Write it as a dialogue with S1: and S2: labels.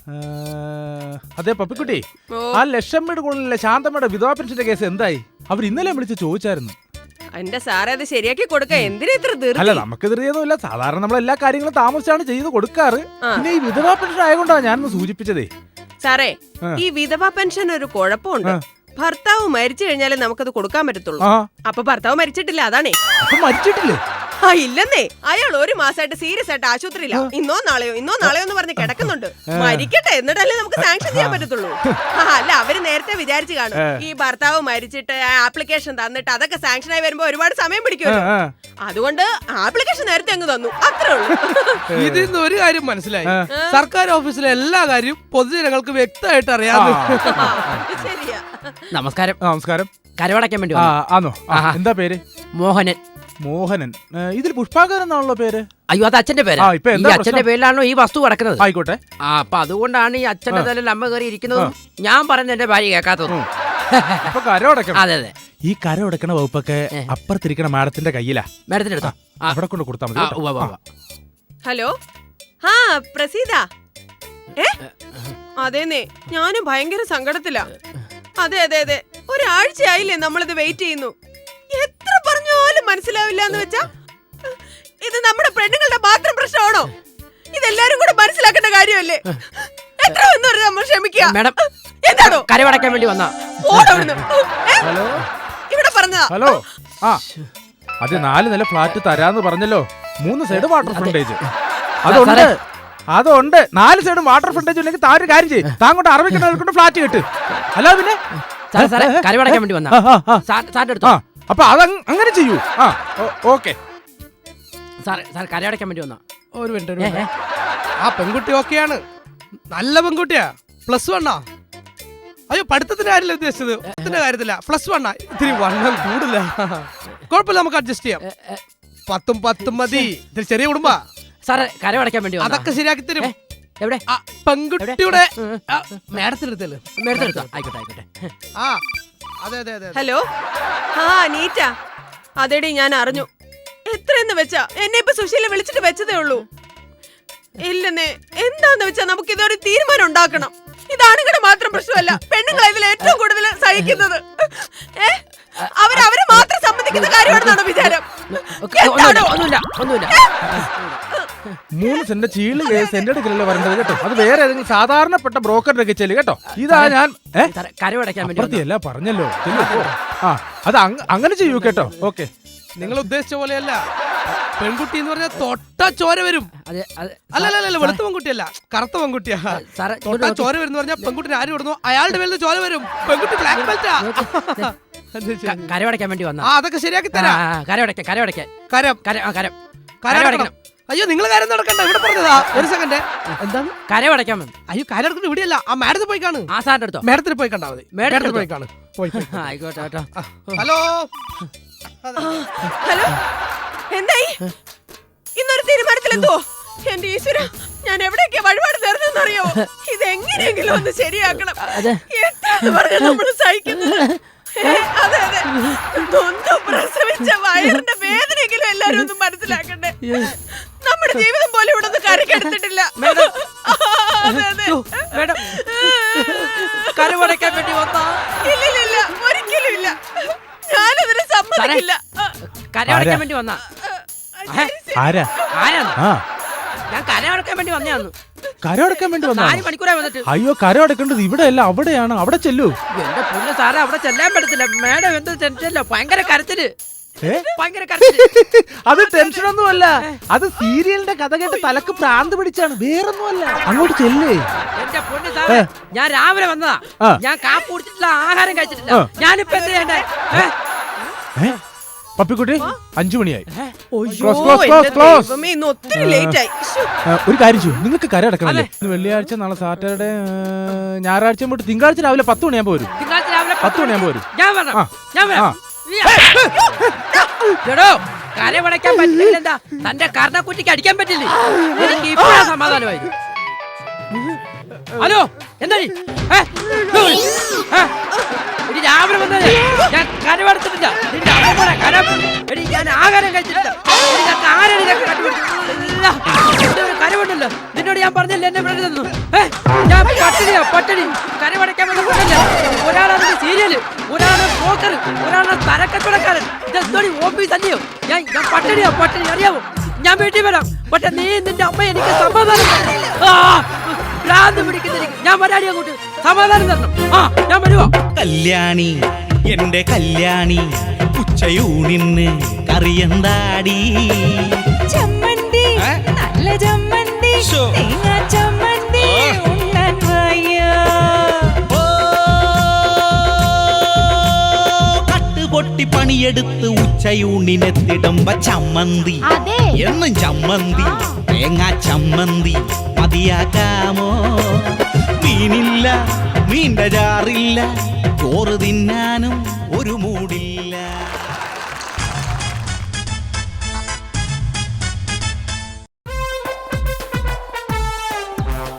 S1: അതെ പപ്പിക്കുട്ടി, ആ ലക്ഷം വീട് കൂടുതലുള്ള ശാന്തമ്മയുടെ വിധവാ പെൻഷന്റെ കേസ് എന്തായി? അവർ ഇന്നലെ വിളിച്ച് ചോദിച്ചായിരുന്നു.
S2: എന്റെ സാറേ അത് ശരിയാക്കി കൊടുക്ക. എന്തിനാ ഇത്ര ധൃതി?
S1: അല്ല, നമുക്ക് ധൃതിയൊന്നുമില്ല. സാധാരണ നമ്മൾ എല്ലാ കാര്യങ്ങളും താമസിച്ചാണ് ചെയ്ത് കൊടുക്കാറ്. പിന്നെ ഈ വിധവാ പെൻഷൻ ആയതുകൊണ്ടാണ് ഞാനൊന്ന് സൂചിപ്പിച്ചതേ.
S2: സാറേ, ഈ വിധവാ പെൻഷൻ ഒരു കുഴപ്പമുണ്ട്. ഭർത്താവ് മരിച്ചു കഴിഞ്ഞാലേ നമുക്കത് കൊടുക്കാൻ പറ്റത്തുള്ളൂ. അപ്പൊ ഭർത്താവ് മരിച്ചിട്ടില്ല, അതാണേ.
S1: മരിച്ചിട്ടില്ലേ?
S2: ഇല്ലെന്നേ, അയാൾ ഒരു മാസമായിട്ട് സീരിയസ് ആയിട്ട് ആശുപത്രിയില്ല. ഇന്നോ നാളെയോ എന്ന് പറഞ്ഞ് കിടക്കുന്നുണ്ട്. മരിക്കട്ടെ, എന്നിട്ടല്ലേ നമുക്ക് സാങ്ഷൻ ചെയ്യാൻ പറ്റത്തുള്ളൂ. അല്ല, അവര് നേരത്തെ വിചാരിച്ചു കാണും ഈ ഭർത്താവ് മരിച്ചിട്ട് ആപ്ലിക്കേഷൻ തന്നിട്ട് അതൊക്കെ സാങ്ഷൻ ആയി വരുമ്പോ ഒരുപാട് സമയം പിടിക്കുമല്ലോ. അതുകൊണ്ട് ആപ്ലിക്കേഷൻ നേരത്തെ അങ്ങ് തന്നു, അത്രേ ഉള്ളൂ.
S3: ഇതിൽ നിന്ന് ഒരു കാര്യം മനസ്സിലായി, സർക്കാർ ഓഫീസിലെ എല്ലാ കാര്യവും പൊതുജനങ്ങൾക്ക് വ്യക്തമായിട്ട് അറിയാം.
S2: ശരിയാ.
S4: നമസ്കാരം.
S1: നമസ്കാരം.
S4: കരവടയ്ക്കാൻ വേണ്ടി
S1: ആണോ? എന്താ പേര്?
S4: മോഹനൻ.
S1: മോഹനൻ. ഇതിൽ പുഷ്പാകരൻ എന്നാണല്ലോ പേര്.
S4: അയ്യോ, അത് അച്ഛന്റെ പേര്. ഈ അച്ഛന്റെ പേരിലാണോ ഈ വസ്തു കിടക്കുന്നത്?
S1: ആയിക്കോട്ടെ.
S4: അപ്പൊ അതുകൊണ്ടാണ് ഈ അച്ഛന്റെ തലയിൽ അമ്മ കയറി ഇരിക്കുന്നതും ഞാൻ പറയുന്നത് എന്റെ ഭാര്യ കേൾക്കാത്തതും. അതെ അതെ.
S1: ഈ കര ഉടക്കണ വകുപ്പൊക്കെ അപ്പുറത്തിരിക്കണ മാഡത്തിന്റെ കയ്യിലാ.
S4: മാഡത്തിന്റെ അടുത്തോ?
S1: അവിടെ കൊണ്ട് കൊടുത്താൽ മതി.
S2: ഹലോ, പ്രസീത. അതേന്നേ, ഞാനും ഭയങ്കര സങ്കടത്തിലാ. അതെ അതെ അതെ, ഒരാഴ്ചയായില്ലേ നമ്മളിത് വെയിറ്റ് ചെയ്യുന്നു. എത്ര പറഞ്ഞാലും മനസ്സിലാവില്ല എന്ന് വെച്ചാ ഇത് നമ്മുടെ പെണ്ണുങ്ങളുടെ മാത്രം പ്രശ്നമാണോ? ഇതെല്ലാരും കൂടെ മനസ്സിലാക്കേണ്ട കാര്യമല്ലേ? എത്ര എന്ന് പറഞ്ഞാൽ നമ്മൾ ക്ഷമിക്കുക.
S4: മാഡം,
S2: എന്താണോ
S4: കരവടയ്ക്കാൻ വേണ്ടി വന്നാ?
S2: ഇവിടെ പറഞ്ഞതാ.
S1: ഹലോ, അത് 4 നില ഫ്ലാറ്റ് തരാന്ന് പറഞ്ഞല്ലോ. 3 സൈഡ് വാട്ടർ ഫ്രണ്ടേജ്. അതുണ്ട്. 4 സൈഡും വാട്ടർ ഫ്രണ്ടേജ് ഉണ്ടെങ്കിൽ താൻ ഒരു കാര്യം ചെയ്യും, താങ്കൊണ്ട് അറബിക്കണ്ട് ഫ്ലാറ്റ് കിട്ട്. അല്ല പിന്നെ
S4: കരവടയ്ക്കാൻ വേണ്ടി വന്നാ സാറിന്റെ അടുത്തോ?
S1: അപ്പൊ അത് അങ്ങനെ ചെയ്യൂ. ഓക്കെ
S4: സാർ കരയടയ്ക്കാൻ വേണ്ടി വന്നാ?
S3: ഒരു മിനിറ്റ്. ആ പെൺകുട്ടി ഓക്കെയാണ്, നല്ല പെൺകുട്ടിയാ. +1. അയ്യോ, പഠിത്തത്തിന്റെ കാര്യമില്ല ഉദ്ദേശിച്ചത്, കാര്യത്തില്ല. +1. ഇത്തിരി വണ്ണം കൂടില്ല. കുഴപ്പമില്ല, നമുക്ക് അഡ്ജസ്റ്റ് ചെയ്യാം. 10 മതി. ഇതിൽ ചെറിയ കുടുംബ.
S4: സാറേ, കരവടയ്ക്കാൻ വേണ്ടി
S3: അതൊക്കെ ശരിയാക്കി തരും.
S4: എവിടെ?
S3: പെൺകുട്ടിയുടെ മേഡത്തിനെടുത്തല്ലോ.
S4: ആയിക്കോട്ടെ ആയിക്കോട്ടെ.
S3: അതെ അതെ അതെ.
S2: ഹലോ, നീറ്റ. അതെടി, ഞാൻ അറിഞ്ഞു. എത്രയെന്ന് വെച്ചാ എന്നെ ഇപ്പൊ സുശീല വിളിച്ചിട്ട് വെച്ചതേ ഉള്ളൂ. ഇല്ലെന്നേ, എന്താന്ന് വെച്ചാ നമുക്ക് ഇതൊരു തീരുമാനം ഉണ്ടാക്കണം. ഇതാണുങ്ങളുടെ മാത്രം പ്രശ്നമല്ല, പെണ്ണുങ്ങളെ ഇതിൽ ഏറ്റവും കൂടുതൽ സഹിക്കുന്നത്. അവരെ മാത്രം സമ്മതിക്കുന്ന കാര്യമാണെന്നാണോ വിചാരം?
S1: 3 സെന്റ് ചീള് കേസ് എന്റെ അടുക്കലല്ലേ വരേണ്ടത് കേട്ടോ. അത് വേറെ ഏതെങ്കിലും സാധാരണപ്പെട്ട ബ്രോക്കറിന്റെ ഒക്കെ ചെല്ലു കേട്ടോ. ഇതാ ഞാൻ
S4: കരവടയ്ക്കാൻ
S1: വേണ്ടി പറഞ്ഞല്ലോ. അത് അങ്ങനെ ചെയ്യൂ കേട്ടോ. ഓക്കെ,
S3: നിങ്ങൾ ഉദ്ദേശിച്ച പോലെയല്ല. പെൺകുട്ടി എന്ന് പറഞ്ഞാൽ തൊട്ട ചോര വരും. അല്ല, വെളുത്ത പെൺകുട്ടിയല്ല, കറുത്ത പെൺകുട്ടിയാ. തൊട്ട ചോര വരും എന്ന് പറഞ്ഞാൽ പെൺകുട്ടിനെ ആര് വിടുന്നു അയാളുടെ മേലിൽ ചോര വരും. പെൺകുട്ടി ബ്ലാക്ക് ബെൽറ്റാ.
S4: കരവടയ്ക്കാൻ വേണ്ടി വന്നാ?
S3: അതൊക്കെ ശരിയാക്കി തരാം.
S4: കരവടയ്ക്കണം.
S3: അയ്യോ, നിങ്ങൾ കാര്യം നടക്കണ്ട, ഇവിടെ പറഞ്ഞതാ. ഒരു സെക്കൻഡ്. എന്താണ്
S4: കരവടയ്ക്കാൻ?
S3: അയ്യോ, കരടക്കുന്ന ഇവിടെയല്ല, ആ മാഡത്തിൽ പോയി കാണും.
S4: ആ സാറിന്റെ അടുത്തോ?
S3: മാഡത്തിൽ പോയി കണ്ടാ മതി. മാഡത്തിൽ പോയി കാണും.
S4: ആയിക്കോട്ടെ കേട്ടോ.
S3: ഹലോ
S2: ഹലോ, എന്തായി? ഇന്നൊരു തീരുമാനത്തിലെന്തോ? എന്റെ ഈശ്വര, ഞാൻ എവിടെയൊക്കെ വഴിപാട് നേർന്നറിയോ? ഇതെങ്ങനെയെങ്കിലും ഒന്ന് ശരിയാക്കണം. എത്രയെന്ന് പറഞ്ഞാൽ നമ്മൾ സഹിക്കുന്നത്. അതെ അതെ, നൊന്തു പ്രസവിച്ച വയറിന്റെ വേദനയെങ്കിലും എല്ലാരും ഒന്ന് മനസ്സിലാക്കണ്ടേ. നമ്മുടെ ജീവിതം പോലെ ഇവിടെ ഒന്നും കരക്കെടുത്തിട്ടില്ല. ഇല്ല, ഒരിക്കലും ഇല്ല. ഞാനതിന് സമ്മതിക്കില്ല.
S4: കരവടയ്ക്കാൻ വേണ്ടി വന്നാ?
S1: ഞാൻ
S4: കരവടക്കാൻ വേണ്ടി വന്നയാന്ന്.
S1: കരടക്കാൻ വേണ്ടി
S4: 4 മണിക്കൂറായി വന്നിട്ട്.
S1: അയ്യോ, കരടക്കേണ്ടത് ഇവിടെയല്ല, അവിടെയാണ്. അവിടെ ചെല്ലൂ.
S4: എന്റെ പൊന്നു സാറേ, അവിടെ ചെല്ലാൻ പറ്റത്തില്ല. മേഡം എന്ത് ടെൻഷനല്ല, ഭയങ്കര കരച്ചില്.
S1: അത് ടെൻഷനൊന്നുമല്ല, അത് സീരിയലിന്റെ കഥ കേട്ട് തലക്ക് പ്രാന്ത് പിടിച്ചാണ്, വേറൊന്നുമല്ല. അങ്ങോട്ട് ചെല്ലേ.
S4: എന്റെ പൊന്നു സാറേ, ഞാൻ രാവിലെ വന്നതാ. ഞാൻ കാപ്പ് കുടിച്ചിട്ടില്ല, ആഹാരം കഴിച്ചിട്ടില്ല. ഞാനിപ്പോ എന്ത് ചെയ്യണ്ടേ?
S1: പപ്പിക്കുട്ടി, 5 മണിയായി. ഒരു കാര്യം ചെയ്യും, നിങ്ങൾക്ക് കര അടക്കണല്ലേ? വെള്ളിയാഴ്ച, നാളെ സാറ്റർഡേ, ഞായറാഴ്ച തൊട്ട് തിങ്കളാഴ്ച രാവിലെ 10 മണിയാകുമ്പോ വരും. 10 മണിയാകുമ്പോ വരും.
S4: കരവടയ്ക്കാൻ പറ്റില്ല. എന്താ തന്റെ കർണക്കുറ്റിക്ക് അടിക്കാൻ പറ്റില്ലേ? എനിക്ക് ഇപ്പോഴാ സമാധാനമായി. ഹലോ, എന്താ രാവിലെ വന്നത്? ഞാൻ കരവടച്ചിട്ടില്ല. ഞാൻ ആഹാരം കഴിച്ചിട്ടില്ല. കരവുണ്ടല്ലോ. നിന്നോട് ഞാൻ പറഞ്ഞില്ല എന്നെ വിടരുതെന്ന്. ഞാൻ പട്ടിണി കരമടയ്ക്കാൻ വേണ്ടി കൊണ്ടല്ല. ഒരാളാണ് സീരിയല്, ഒരാളാണ് ബ്രോക്കർ, ഒരാളാണ് തരക്കച്ചവടക്കാരൻ. ഇതെന്തോടി ഓഫീസ് അല്ലയോ? ഞാൻ പട്ടിണി അറിയാവോ? ഞാൻ വീട്ടിൽ വരാം, പക്ഷെ നീ നിന്റെ അമ്മ എനിക്ക് സമാധാനം ഭ്രാന്ത് പിടിക്കുന്നെനിക്ക്. ഞാൻ വരാടി അങ്ങോട്ട്, സമാധാനം തരണം. ഞാൻ വരുവാ.
S5: കല്യാണി എന്റെ കല്യാണി, ഉച്ചയൂണിന് കറിയന്താടി?
S6: ചമ്മന്തി, നല്ല ചമ്മന്തി, തേങ്ങാ ചമ്മന്തി ഉണ്ണാൻ വയ്യ.
S5: കട്ടുപൊട്ടി പണിയെടുത്ത് ഉച്ചയൂണിനെത്തിടുമ്പ ചമ്മന്തി, എന്നും ചമ്മന്തി, തേങ്ങാ ചമ്മന്തി മതിയാക്കാമോ? മീനില്ല, മീൻ്റെ ചാറില്ല, ചോറ് തിന്നാനും ഒരു മൂടില്ല.